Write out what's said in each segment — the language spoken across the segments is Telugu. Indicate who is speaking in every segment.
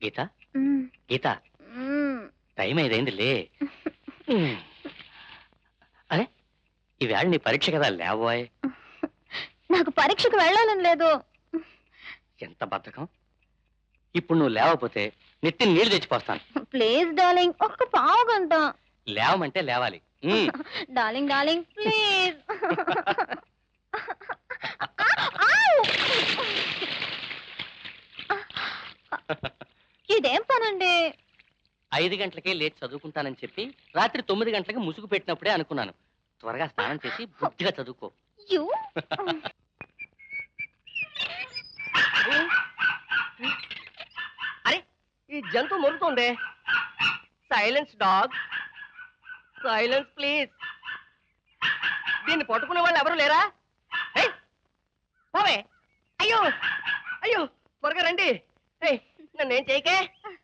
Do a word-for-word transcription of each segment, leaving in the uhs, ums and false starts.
Speaker 1: గీత గీత టైం ఐదైంది లే. అరే ఈవేళ నీ పరీక్ష కదా లేవోయ్.
Speaker 2: నాకు పరీక్షకు వెళ్ళాలని లేదు.
Speaker 1: ఎంత బద్ధకం. ఇప్పుడు నువ్వు లేవకపోతే నెత్తి నీళ్లు తెచ్చిపోస్తాను.
Speaker 2: ప్లీజ్ డార్లింగ్, ఒక్క పావు గంట.
Speaker 1: లేవమంటే లేవాలి.
Speaker 2: Darling darling please. ఇదేం పనండి?
Speaker 1: ఐదు గంటలకే లేచి చదువుకుంటానని చెప్పి రాత్రి తొమ్మిది గంటలకి ముసుగు పెట్టినప్పుడే అనుకున్నాను. త్వరగా స్నానం చేసి బుద్ధిగా చదువుకో.
Speaker 3: అరే ఈ జంతువు మొరుగుతోంది. Silence dog, silence please. దీన్ని పట్టుకునే వాళ్ళు ఎవరు లేరా? పోవే. అయ్యో అయ్యో త్వరగా రండి. నన్నేం చేయకే.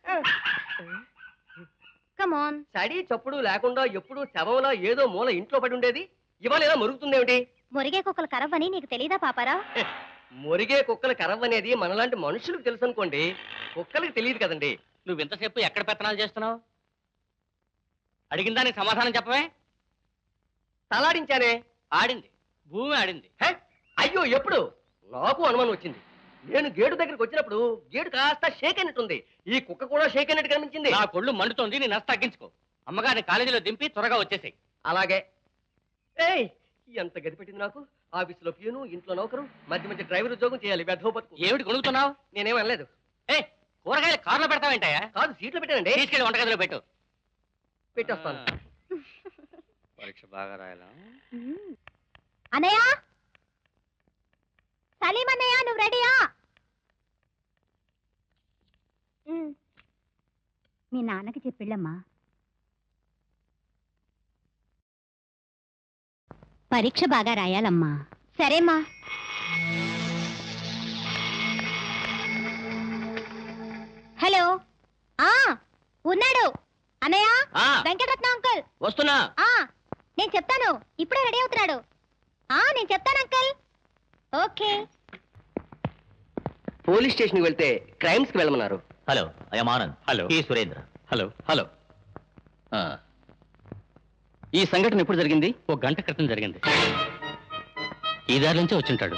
Speaker 2: Come on.
Speaker 3: సడి చప్పుడు లేకుండా ఎప్పుడు శవంలో ఏదో మూల ఇంట్లో పడి ఉండేది, ఇవాళ ఇలా మొరుగుతుందేమిటి?
Speaker 2: మురిగే కుక్కలు కరవని నీకు తెలీదా పాపారా?
Speaker 3: మురిగే కుక్కలు కరవనేది మనలాంటి మనుషులకు తెలుసు అనుకోండి, కుక్కలకు తెలియదు కదండి.
Speaker 1: నువ్వు ఇంతసేపు ఎక్కడ పెత్తనాలు చేస్తున్నావు? అడిగిన దానికి సమాధానం చెప్పవే.
Speaker 3: తలాడించానే.
Speaker 1: ఆడింది, భూమి ఆడింది.
Speaker 3: అయ్యో ఎప్పుడు? నాకు అనుమానం వచ్చింది. నేను గేటు దగ్గరికి వచ్చినప్పుడు గేటు కాస్త షేక్ అయినట్టుంది. ఈ కుక్క కూడా షేక్ అయినట్టు కనిపించింది.
Speaker 1: నా కొళ్ళు మండుతోంది, నీ నష్ట తగ్గించుకో. అమ్మగారిని కాలేజీలో దింపి త్వరగా వచ్చేసాయి.
Speaker 3: అలాగే. ఏయ్ ఎంత గది పెట్టింది నాకు. ఆఫీసులో ప్యూను, ఇంట్లో నౌకరు, మధ్య మధ్య డ్రైవర్ ఉద్యోగం చేయాలి. వెధవ బతుకు.
Speaker 1: ఏమిటి కొనుక్కుతున్నావు?
Speaker 3: నేనేం అనలేదు.
Speaker 1: ఏ కూరగాయలు కారులో పెడతావేంటాయా?
Speaker 3: కాదు, సీట్లో పెట్టానండి.
Speaker 1: తీసుకెళ్ళి వంటగదిలో పెట్టు.
Speaker 3: పెట్టొస్తాను.
Speaker 1: పరీక్ష బాగా రాయాలా?
Speaker 2: అన్నయ్య, సలీం అన్నయ్య, నువ్వు రెడీయా? మీ నాన్నకి చెప్పిళ్ళమ్మా. పరీక్ష బాగా రాయాలమ్మా. సరేమ్మా. హలో. ఆ ఉన్నాడు అన్నయ్య. వెంకటరత్న అంకుల్
Speaker 1: వస్తున్నా.
Speaker 2: నేను చెప్తాను, ఇప్పుడే రెడీ అవుతున్నాడు. ఆ నేను చెప్తాను అంకుల్. ఓకే.
Speaker 3: పోలీస్ స్టేషన్కి వెళ్తే క్రైమ్స్ కి వెళ్ళమన్నారు.
Speaker 4: Hello, I'm Anand.
Speaker 1: హలో,
Speaker 4: ఈ సురేంద్ర.
Speaker 1: Hello hello. ఈ సంఘటన ఎప్పుడు జరిగింది? ఒక గంట క్రితం జరిగింది. ఈ దారి నుంచే వచ్చింటాడు.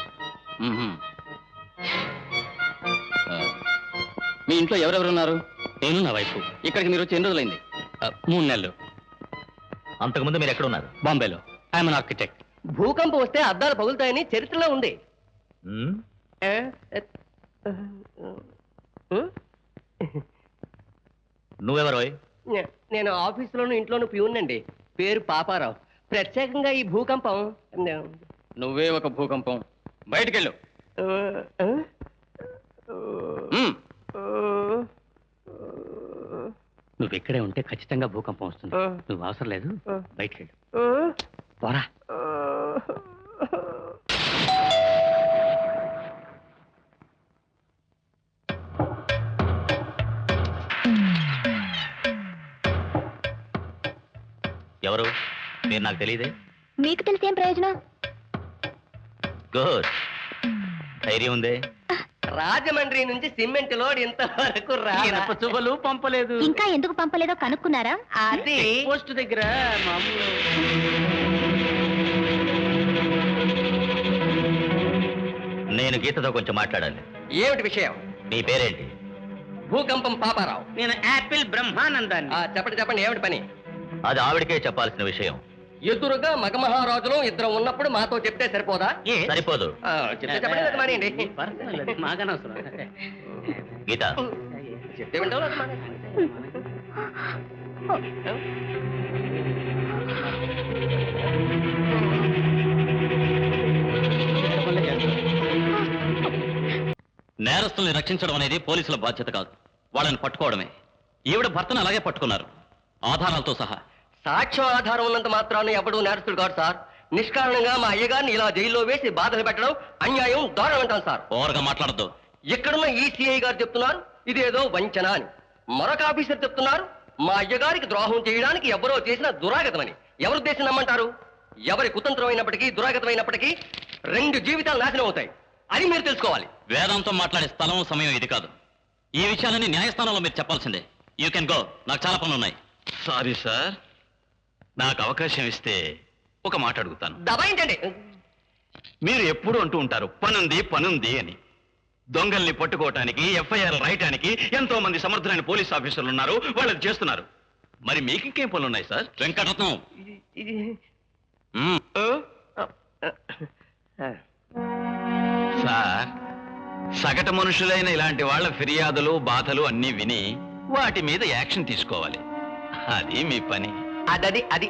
Speaker 1: మీ ఇంట్లో ఎవరెవరున్నారు? నేను, నా వైఫ్. ఇక్కడికి మీరు వచ్చి ఎన్ని రోజులైంది? మూడు నెలలు.
Speaker 4: అంతకుముందు మీరు ఎక్కడ ఉన్నారు?
Speaker 1: బాంబేలో. I'm an architect.
Speaker 3: భూకంపం వస్తే అద్దాలు పగులుతాయని చరిత్రలో ఉంది.
Speaker 4: నువ్వెవరో?
Speaker 3: నేను ఆఫీసులోను ఇంట్లోను ప్యూన్నండి. పేరు పాపారావు. ప్రత్యేకంగా ఈ భూకంపం.
Speaker 1: నువ్వే ఒక భూకంపం. బయటకెళ్ళు. నువ్వు ఇక్కడే ఉంటే ఖచ్చితంగా భూకంపం వస్తుంది. నువ్వు అవసరం లేదు, బయటకెళ్ళు. పోరా.
Speaker 4: ఎవరు? మీరు నాకు తెలియదే.
Speaker 2: మీకు తెలిసేం ప్రయోజనం?
Speaker 4: గుడ్. ధైర్యం ఉందే.
Speaker 3: రాజమండ్రి నుంచి సిమెంట్ లోడ్ ఇంతవరకు
Speaker 1: చువ్వలు పంపలేదు.
Speaker 2: ఇంకా ఎందుకు పంపలేదో కనుక్కున్నారా?
Speaker 3: అది
Speaker 1: పోస్ట్ దగ్గర మామూలు.
Speaker 4: నేను గీతతో కొంచెం మాట్లాడాలి.
Speaker 3: ఏమిటి విషయం?
Speaker 4: నీ పేరేంటి?
Speaker 3: భూకంపం పాపారావు.
Speaker 1: నేను యాపిల్ బ్రహ్మానందాన్ని.
Speaker 3: చెప్పండి చెప్పండి, ఏమిటి పని?
Speaker 4: అది ఆవిడకే చెప్పాల్సిన విషయం.
Speaker 3: ఎదురుగా మగమహారాజులు ఇద్దరు ఉన్నప్పుడు మాతో చెప్తే సరిపోదా?
Speaker 4: సరిపోదు.
Speaker 3: చెప్తే చెప్పండి, మానేయండి.
Speaker 4: గీత,
Speaker 3: చెప్తే వింటావు.
Speaker 4: నేరస్తుల్ని రక్షించడం అనేది పోలీసుల బాధ్యత కాదు, వాళ్ళని పట్టుకోవడమే. ఈవిడ భర్తను అలాగే పట్టుకున్నారు, ఆధారాలతో సహా.
Speaker 3: సాక్ష్యం ఆధారం ఉన్నంత మాత్రాన్ని ఎవడూ నేరస్తుడు కాదు సార్. నిష్కారణంగా మా అయ్యగారిని ఇలా జైల్లో వేసి బాధలు పెట్టడం అన్యాయం, దారుణం అంటాను సార్.
Speaker 4: ఓవర్గా మాట్లాడద్దు.
Speaker 3: ఇక్కడున్న ఈసీఐ గారు చెప్తున్నారు ఇదేదో వంచన అని. మరొక ఆఫీసర్ చెప్తున్నారు మా అయ్యగారికి ద్రోహం చేయడానికి ఎవరో చేసిన దురాగతమని. ఎవరు ఉద్దేశం నమ్మంటారు? ఎవరి కుతంత్రం అయినప్పటికీ, దురాగతమైనప్పటికీ రెండు జీవితాలు నాశనం అవుతాయి. అది మీరు తెలుసుకోవాలి.
Speaker 4: వేదంతో మాట్లాడే స్థలం, సమయం ఇది కాదు. ఈ విషయాలన్నీ న్యాయస్థానంలో మీరు చెప్పాల్సిందే. యూ కెన్ గో, నాకు చాలా పనులు ఉన్నాయి. సారీ సార్, నాకు అవకాశం ఇస్తే ఒక మాట అడుగుతాను.
Speaker 3: దబాయించండి.
Speaker 4: మీరు ఎప్పుడు అంటూ ఉంటారు పనుంది పనుంది అని. దొంగల్ని పట్టుకోవటానికి, ఎఫ్ఐఆర్ రాయటానికి ఎంతో మంది సమర్థులైన పోలీస్ ఆఫీసర్లు ఉన్నారు, వాళ్ళు చేస్తున్నారు. మరి మీకు ఇంకేం పనులు ఉన్నాయి సార్? వెంకటరత్నం, మ్మ్. సార్, సగటు మనుషులైన ఇలాంటి వాళ్ళ ఫిర్యాదులు బాధలు అన్నీ విని వాటి మీద యాక్షన్ తీసుకోవాలి. అది మీ పని.
Speaker 3: అదది అది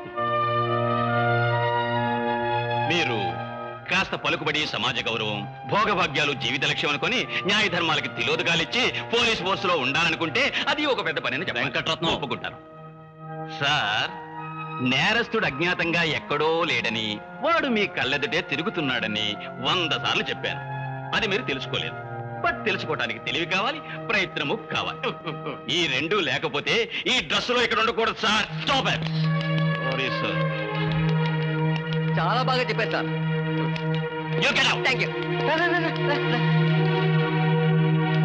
Speaker 4: మీరు కాస్త పలుకుబడి, సమాజ గౌరవం, భోగభాగ్యాలు జీవిత లక్ష్యం అనుకుని న్యాయ ధర్మాలకి తిలోదగాలిచ్చి పోలీస్ ఫోర్సులో ఉండాలనుకుంటే అది ఒక పెద్ద పని అని వెంకటరత్నం ఒప్పుకుంటారు. సార్, నేరస్తుడు అజ్ఞాతంగా ఎక్కడో లేడని, వాడు మీ కళ్ళెదుటే తిరుగుతున్నాడని వంద సార్లు చెప్పాను. అది మీరు తెలుసుకోలేదు. బట్ తెలుసుకోవడానికి తెలివి కావాలి, ప్రయత్నము కావాలి. ఈ రెండు లేకపోతే ఈ డ్రెస్సులో ఇక్కడ ఉండకూడదు sir. Stop it. Sorry sir.
Speaker 3: చాలా బాగా చెప్పారు sir.
Speaker 4: You get out.
Speaker 3: Thank you.